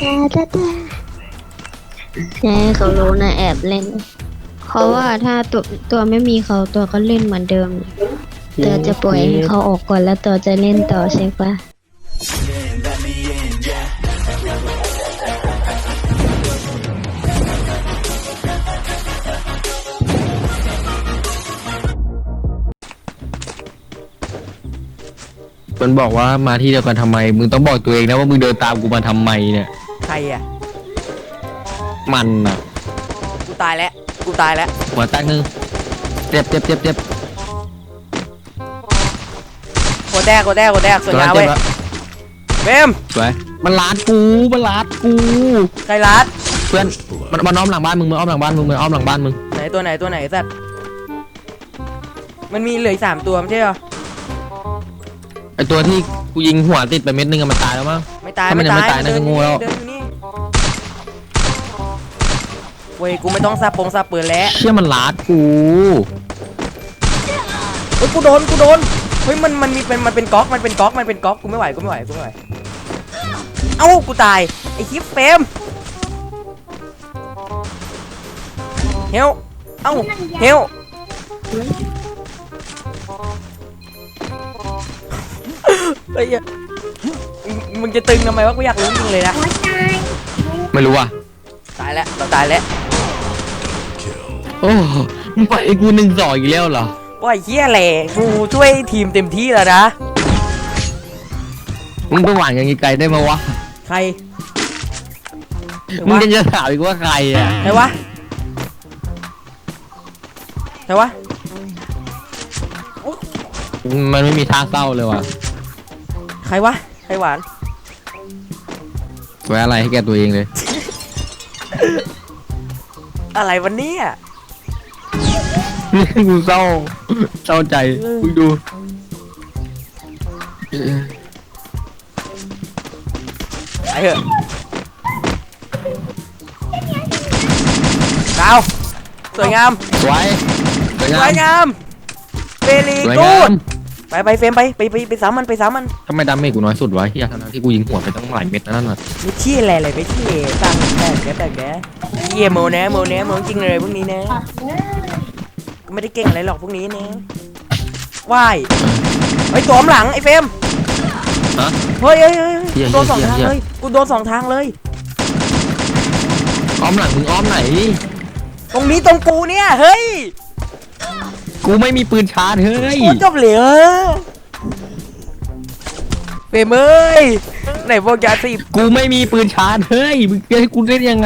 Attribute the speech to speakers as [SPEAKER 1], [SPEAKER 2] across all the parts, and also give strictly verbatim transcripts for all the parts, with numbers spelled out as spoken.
[SPEAKER 1] ใช่เขารู้นะแอบเล่นเพราะว่าถ้าตัวตัวไม่มีเขาตัวก็เล่นเหมือนเดิมตัวจะปล่อยให้เขาออกก่อนแล้วตัวจะเล่นต่อใช่ปะ
[SPEAKER 2] มันบอกว่ามาที่เดียวกันทำไมมึงต้องบอกตัวเองนะว่ามึงเดินตามกูมาทำไมเนี่ย
[SPEAKER 3] ใครอ่ะ
[SPEAKER 2] มันอ่ะ
[SPEAKER 3] กูตายแล้วกูตายแล้ว
[SPEAKER 2] หัวตั้งนึงเจ็บเจ็บเจ็บเจ็บ
[SPEAKER 3] หัวแตกหัวแตกหัวแตกสวยงามเว้ยเบม
[SPEAKER 2] สวยมันลาดกูมันลาดกู
[SPEAKER 3] ใครลัด
[SPEAKER 2] เพื่อนมันมันอ้อมหลังบ้านมึงมันอ้อมหลังบ้านมึงมันอ้อมหลังบ้านมึง
[SPEAKER 3] ไหนตัวไหนตัวไหนสัตว์มันมีเหลือสามตัวไม่ใช่เหรอ
[SPEAKER 2] ไอตัวที่กูยิงหัวติดไปเม็ดนึงมันตายแล้วมั้ง
[SPEAKER 3] ไม่ตายไม่ตายไม่ตายนะงูแล้วเว้ยกูไม่ต้องซาปงซาปืนแล้ว
[SPEAKER 2] เชื่อมันลาดกู
[SPEAKER 3] เฮ้ยกูโดนกูโดนเฮ้ยมันมันมีเป็นมันเป็นก๊อกมันเป็นก๊อกมันเป็นก๊อกกูไม่ไหวกูไม่ไหวกูไม่ไหวเอ้ากูตายไอ้คลิปเฟมเฮลเอ้าเฮลเฮ้ยมึงจะตึงทำไมวะกูอยากรู้จริงเลยนะ
[SPEAKER 2] ไม่รู้อ่ะ
[SPEAKER 3] ตายแล้วเราตายแล้ว
[SPEAKER 2] โอ้มึงปล่อยไอ้กูหนึ่งสองอีกแล้วเหรอ
[SPEAKER 3] ว่าไอ้เหี้ยแหละกูช่วยทีมเต็มที่แล้วนะ
[SPEAKER 2] มึงไปหวานกันไกลได้ไหมวะ
[SPEAKER 3] ใคร
[SPEAKER 2] มึงจะถามอีกว่าใครอ่ะ
[SPEAKER 3] ใครวะใครวะ
[SPEAKER 2] มันไม่มีท่าเศร้าเลยว่ะ
[SPEAKER 3] ใครวะใครหวาน
[SPEAKER 2] ไว้อะไรให้แกตัวเองเลย
[SPEAKER 3] อะไรวันนี้อ่ะ
[SPEAKER 2] นี่กูเศร้าเศร้าใจมึงดู
[SPEAKER 3] ไอ้เหอะดาวสวยงาม
[SPEAKER 2] สวย
[SPEAKER 3] สวยงามเบลีกูดไปไปเฟรมไปไปไปไปสามมันไปสามมัน
[SPEAKER 2] ทำไมดาเมจกูน้อยสุดวะที่ทั้งที่กูยิงหัวไปตั้งหลายเม็ดนั่นน่ะ
[SPEAKER 3] ไม่เชี่ยอะไรเลยไม่เชี่ยตั้งแต่แกแต่แกเยี่ยโมนะโมนะโมจริงเลยพวกนี้นะกูไม่ได้เก่งอะไรหรอกพวกนี้นะว่ายไอ้ตัวหลังไอ้เฟรมเฮ้ยเฮ้ยเฮ้ยโดนสองทางเลยกูโดนสองทางเลย
[SPEAKER 2] อ้อมหลังมึงอ้อมไหน
[SPEAKER 3] ตรงนี้ตรงกูเนี่ยเฮ้ย
[SPEAKER 2] กูไม่มีปืนชาร์จเฮ้ย
[SPEAKER 3] จบเลยเฟรมเอ้ยไหนพวกยาสี
[SPEAKER 2] กูไม่มีปืนชาร์จเฮ้ยมึงจะให้กูเล่นยังไง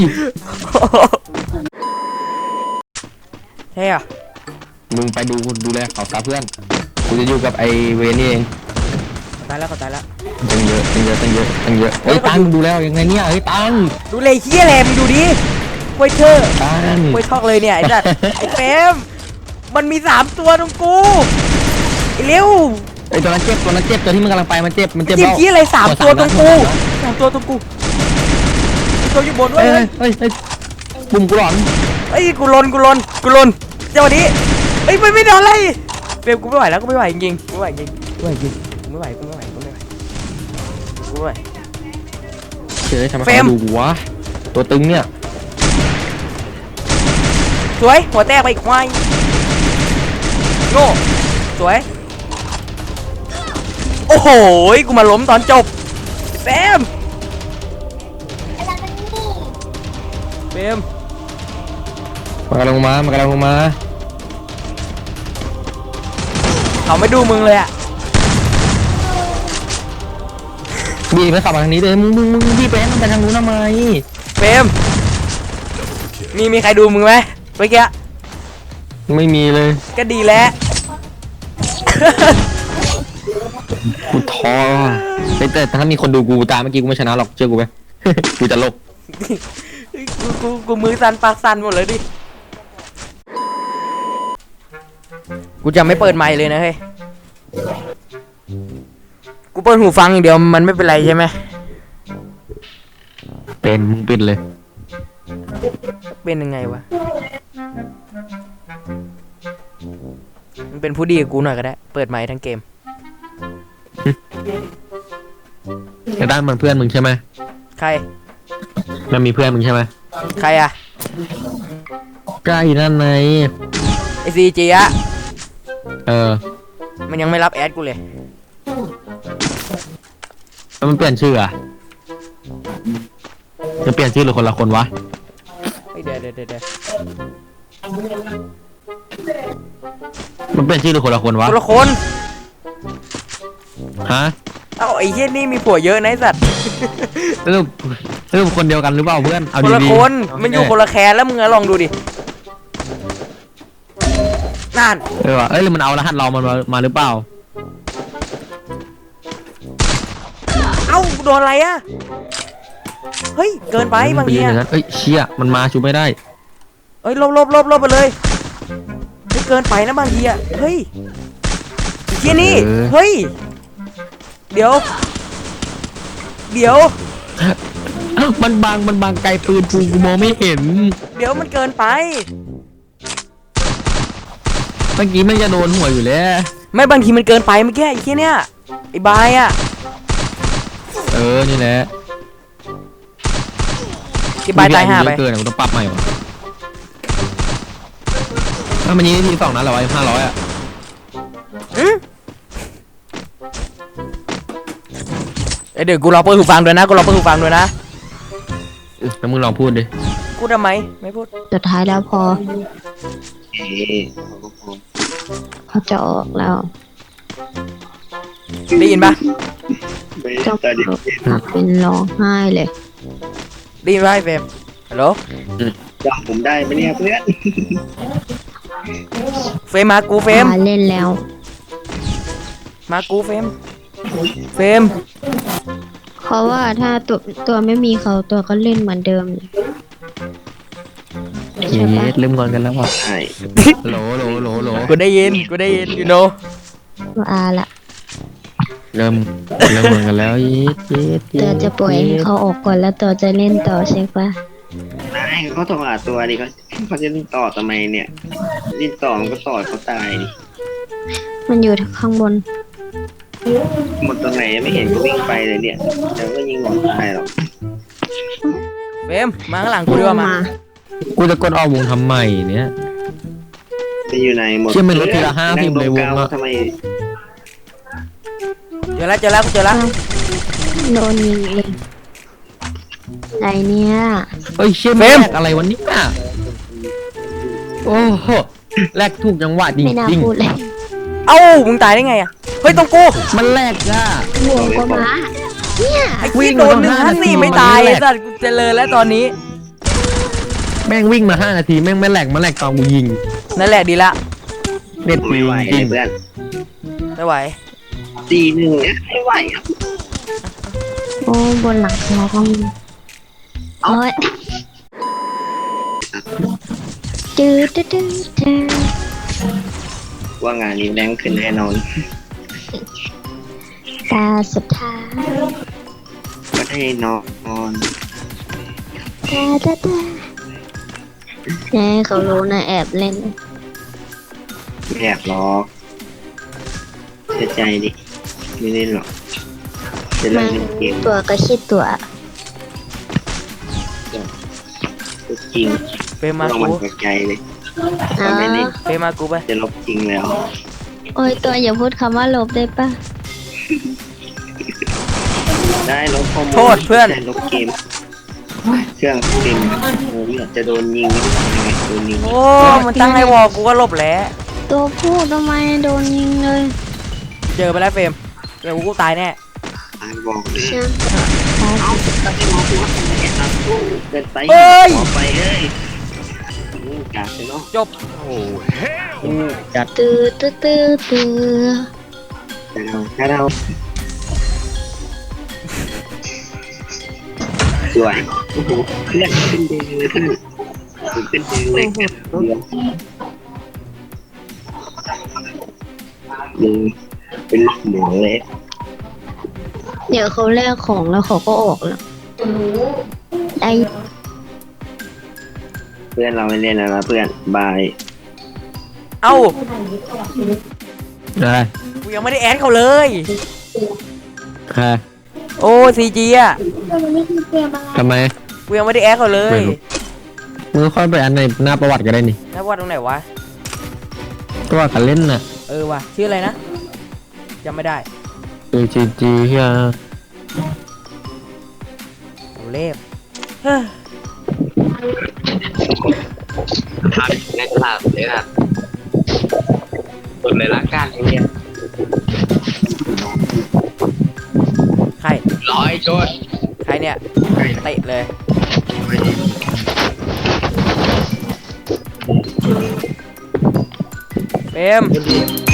[SPEAKER 3] เฮ้ย
[SPEAKER 2] มึงไปดูดูแลเขาซะเพื่อนกูจะอยู่กับไอเวนี่เอง
[SPEAKER 3] ตายแล้วก็ตายแล้ว
[SPEAKER 2] ตั้งเยอะตั้งเยอะตั้งเยอะตั้งเยอะเฮ้ยตังดูแล้วยังไงเนี่ยเฮ้ยตัง
[SPEAKER 3] ดูเลยเฮียแหลมดูดิควยเธอควยทอกเลยเนี่ยไอ้จัดไอ้เฟรมมันมีสามตัวตรงกูไอ้เร็ว
[SPEAKER 2] ไอ้ตัวนั้นเจ็บตัวนั้นเจ็บตัวที่มึงกำลังไปมันเจ็บมันเจ็บ
[SPEAKER 3] เจ็บที่อะไรสามตัวตรงกูสามตัวตรงกูตัวอยู่บนด้วย
[SPEAKER 2] เฮ้ยเฮ้ยเฮ้ยปุ่มกูหลอน
[SPEAKER 3] เฮ้ยกูลนกูลนกูลนเจ้านี้เฮ้ยไม่ไม่โดนอะไรเฟรมกูไม่ไหวแล้วกูไม่ไหวจริงกูไม่ไหวจริงกูไม่ไหวจริงกูไม่ไหวกูไม่ไหวกูไม่ไหวกูไม่ไหว
[SPEAKER 2] เฮ้ยทำไมเขาดูวะตัวตึงเนี่ย
[SPEAKER 3] สวยหัวแตกไปอีกควายโง่สวยโอ้โหกูมาล้มตอนจบเฟรมเฟรม
[SPEAKER 2] มากำลังมามากำลังลงมา
[SPEAKER 3] เขาไม่ดูมึงเลยอะ
[SPEAKER 2] บีไปขับมาทางนี้เลยมึงมึงมึงบีไปมันไปทางนู้นทำไม
[SPEAKER 3] เฟรมมีมีใครดูมึงไหมเมื่อกี้
[SPEAKER 2] ไม่มีเลย
[SPEAKER 3] ก็ดีแล้ว
[SPEAKER 2] กูท้อแต่ถ้ามีคนดูกูตามเมื่อกี้กูไม่ชนะหรอกเชื่อกูไหมกูจะลบ
[SPEAKER 3] กูกูกูมือสั่นปากสั่นหมดเลยดิกูจะไม่เปิดไมค์เลยนะเฮ้ยกูเปิดหูฟังอย่างเดียวมันไม่เป็นไรใช่ไหม
[SPEAKER 2] เป็นมึงเป็นเลย
[SPEAKER 3] เป็นยังไงวะมันเป็นผู้ดีกับกูหน่อยก็ได้เปิดไมค์ทั้งเกม
[SPEAKER 2] ในด้านมันเพื่อนมึงใช่ไหม
[SPEAKER 3] ใคร
[SPEAKER 2] มันมีเพื่อนมึงใช่ไหม
[SPEAKER 3] ใครอะ
[SPEAKER 2] ใกล้นั่นไง
[SPEAKER 3] ไอซีจีอะ
[SPEAKER 2] เออ
[SPEAKER 3] มันยังไม่รับแอดกูเลย
[SPEAKER 2] แล้วมันเปลี่ยนชื่ออะจะเปลี่ยนชื่อหรือคนละคนวะ
[SPEAKER 3] เฮ้ยเดี๋ยวเดี๋ยวเดี๋ยวเดี๋ยว
[SPEAKER 2] มันเปลี่ยนชื่อหรือคนละคนวะ
[SPEAKER 3] คนละคน
[SPEAKER 2] ฮะ
[SPEAKER 3] เอ้าไอ้เหี้ยนี่มีผัวเยอะนะไอ้สัตว์
[SPEAKER 2] สรุปสรุปคนเดียวกันหรือเปล่าเพื่อนเอา
[SPEAKER 3] คนละ
[SPEAKER 2] ดี
[SPEAKER 3] คน
[SPEAKER 2] ๆ
[SPEAKER 3] มันอยู่คนละแคนแล้วมึงอะลองดูดินั่น
[SPEAKER 2] เออว่ะเอ้ยหรือมันเอารหัสเรามันมามาหรือเปล่า
[SPEAKER 3] เอ้าโดนอะไรอะเฮ้ยเกินไปบางที
[SPEAKER 2] ยืนอ
[SPEAKER 3] อะ
[SPEAKER 2] ย่างนั้นเอ้ยเชี่ยมันมาชูไม่ได้
[SPEAKER 3] เฮ้ยลบลบลบลบไปเลยเฮ้ยเกินไปนะบางทีอะเฮ้ยไอ้เหี้ยนี่
[SPEAKER 2] เออ
[SPEAKER 3] เฮ้ยเดี๋ยว เดี๋ยว
[SPEAKER 2] มันบังมันบังไกลปืนกูกูมองไม่เห็น
[SPEAKER 3] เดี๋ยวมันเกินไป
[SPEAKER 2] เมื่อกี้มันจะโดนหัวอยู่แล้ว
[SPEAKER 3] ไม่บางทีมันเกินไปเมื่อกี้ไอ้เหี้ยเนี่ยไอ้บายอะ
[SPEAKER 2] เออนี่แหละ
[SPEAKER 3] ไอ้บายตายห่าไป
[SPEAKER 2] เยอะเกินอะกูต้องปรับใหม่ว่ะถ้ามันยิงทีสองนัดเหรอวะห้าร้อยอ่ะ
[SPEAKER 3] อืมเอ้ยเดี๋ยวกูรอเปิดหูฟังด้วยนะกูรอเปิดหูฟังด้วยนะ
[SPEAKER 2] แล้วมึงลองพูดดิ
[SPEAKER 3] พูดทำไมไม่พูด
[SPEAKER 1] สุดท้ายแล้วพอเขาจะออกแล้ว
[SPEAKER 3] ได้ยินปะ
[SPEAKER 1] ก็เป็นร้องไห้เลย
[SPEAKER 3] ได้ยินปะไอ้เฟรมฮัลโหล
[SPEAKER 4] จำผมได้ไหมเนี่ยเพื่อน
[SPEAKER 3] เฟรมมากูเฟรม
[SPEAKER 1] มาเล่นแล้ว
[SPEAKER 3] มากูเฟรมเฟรม
[SPEAKER 1] เพราะว่าถ้าตัวตัวไม่มีเขาตัวก็เล่นเหมือนเดิมเลย
[SPEAKER 2] เย้เริ่มงอนกันแล้วว่ะ
[SPEAKER 4] ใช่
[SPEAKER 2] โหลโหลโหลโหล
[SPEAKER 3] กูได้ยินกูได้ยินยูโน
[SPEAKER 1] ว่าละ
[SPEAKER 2] เริ่มเริ่มงอนกันแล้วเย็ดเย็ด
[SPEAKER 1] ตัวจะปล่อยให้เขาออกก่อนแล้วตัวจะเล่นต่อใช่ปะ
[SPEAKER 4] นายเขาต้องหาตัวดิเขาเขาจะเล่นต่อทำไมเนี่ยเล่นต่อมันก็ต่อเขาตายดิ
[SPEAKER 1] มันอยู่ข้างบน
[SPEAKER 4] หมดตรงไหนไม่เห็นก็วิ่งไปเลยเนี่ยแต่ก็ยิงหมดตายหรอก
[SPEAKER 3] เฟรมมาข้างหลังกูดีกว่ามา
[SPEAKER 2] กูจะกดออกวงทำไมเนี่ย
[SPEAKER 4] จะอยู่ไหนหมด
[SPEAKER 2] เชื่อมันลดทีละห้าสิบเลยวงอะ
[SPEAKER 4] ทำไม
[SPEAKER 3] เจอแล้วเจอแล้วกูเจอแล้ว
[SPEAKER 1] โดนยิงเองไหนเนี่ย
[SPEAKER 2] เอ้ยเชี่ย
[SPEAKER 3] เฟร
[SPEAKER 2] แล
[SPEAKER 3] ม
[SPEAKER 2] กอะไรวันนี้อ่ะโอ้โหแลกถูกจังหวะจ
[SPEAKER 1] ไม่น่า
[SPEAKER 2] ริง
[SPEAKER 1] พูดเลย
[SPEAKER 3] เอ้ามึงตายได้ไงอะเฮ้ยตรงกู
[SPEAKER 2] ๆมันแลกอ่ะ
[SPEAKER 1] หัวก็มาเนี่ย
[SPEAKER 3] ไอ้
[SPEAKER 2] วิ่
[SPEAKER 3] ที่
[SPEAKER 2] ง
[SPEAKER 3] โด
[SPEAKER 2] มาน
[SPEAKER 3] หนึ่ง
[SPEAKER 2] ห้า
[SPEAKER 3] ห้า
[SPEAKER 2] นาที
[SPEAKER 3] สี่ไม่
[SPEAKER 2] มัน
[SPEAKER 3] ตาย
[SPEAKER 2] แหล
[SPEAKER 3] ไอ้
[SPEAKER 2] ก
[SPEAKER 3] สัตว์กูเจริญแล้วตอนนี้
[SPEAKER 2] แม่งวิ่งมาห้านาทีแม่งไม่แลกมาแลกตอนกูยิง
[SPEAKER 3] นั่นแหละดีละ
[SPEAKER 2] เน็ต
[SPEAKER 4] ไม่
[SPEAKER 2] ปี
[SPEAKER 4] ไหว
[SPEAKER 2] จริง
[SPEAKER 4] เพื่อน
[SPEAKER 3] ไม่ไหว
[SPEAKER 4] ตีหนึ่งเนี่ยไม่ไหวอ่ะ
[SPEAKER 1] โอ้บนหลังคาก็มีโอ้ยจืดจืดจืดจืด
[SPEAKER 4] ว่างานนี้แรงขึ้นแน่นอน
[SPEAKER 1] ตาสุดท้าย
[SPEAKER 4] ก็ได้นอน
[SPEAKER 1] ตาตาตาแน่เขารู้นะแอบเล่น
[SPEAKER 4] แอบล้อกเสียใจดิไม่เล่นหรอกจะเล่
[SPEAKER 1] มัน
[SPEAKER 4] นเกม
[SPEAKER 1] ตัวก็คิดตัว
[SPEAKER 4] จริง
[SPEAKER 3] เฟรมมา
[SPEAKER 4] เรา
[SPEAKER 3] กู
[SPEAKER 4] มันตกใจเลย
[SPEAKER 1] อ๋อ
[SPEAKER 4] ไม่เล่น
[SPEAKER 3] เฟรมมากูไป
[SPEAKER 4] จะลบจริงแล้ว
[SPEAKER 1] โอ้ยตัวอย่าพูดคำว่าลบได้ปะ
[SPEAKER 4] ได้ลบข้อมูล
[SPEAKER 3] โทษเพื่อน
[SPEAKER 4] ได้ลบเกม เครื่องเต็มโอ้ยจะโดนยิงยังไงโดนยิง
[SPEAKER 3] โอ้มันตั้งไอ้วอลกูก็หลบแล้ว
[SPEAKER 1] ตัวพูดทำไมโดนยิงเลย
[SPEAKER 3] เจอไปแล้วเฟรมเดี๋ยวกูตายแน่
[SPEAKER 4] ตายบอกเลย
[SPEAKER 1] ช่างตายสิ
[SPEAKER 4] เกินไป
[SPEAKER 3] เอ้ย
[SPEAKER 4] ขอไปเลยอืมกาดเลยเนาะ
[SPEAKER 3] จบ
[SPEAKER 4] อืมจัด
[SPEAKER 1] ตื้อตื้อตื้อตื้อ
[SPEAKER 4] แต่เราถ้าเราสวยโอ้โหเพื่อนขึ้นเดงเลยเพื่อนขึ้นเดงเลยเดี๋ยวดูเป็นหมอเลย
[SPEAKER 1] เดี๋ยวเขาแลกของแล้วเขาก็ออกแล้วได้
[SPEAKER 4] เพื่อนเราไม่เล่นแล้วนะเพื่อนบาย
[SPEAKER 3] เอ้า
[SPEAKER 2] ได้
[SPEAKER 3] กูยังไม่ได้แอดเขาเลย
[SPEAKER 2] ค่ะ
[SPEAKER 3] โอ้ซีจีอะ
[SPEAKER 2] ทำไม
[SPEAKER 3] กูยังไม่ได้แอคเขาเลย
[SPEAKER 2] มึงค่อยไปอันในหน้าประวัติก็ได้นี่
[SPEAKER 3] นักวาดตรงไหนวะ
[SPEAKER 2] ตัวกันเล่นน่ะ
[SPEAKER 3] เออว่ะชื่ออะไรนะจำไม่ได้
[SPEAKER 2] คือจีจีเฮีย
[SPEAKER 3] โอเล่เฮ้ย
[SPEAKER 4] ทำในตลาดเลยครับส่วนในร่างกายอย่างเงี้ย
[SPEAKER 3] ใคร
[SPEAKER 4] ร้อยโจน
[SPEAKER 3] ใครเนี่ยเตะเลยเฟรม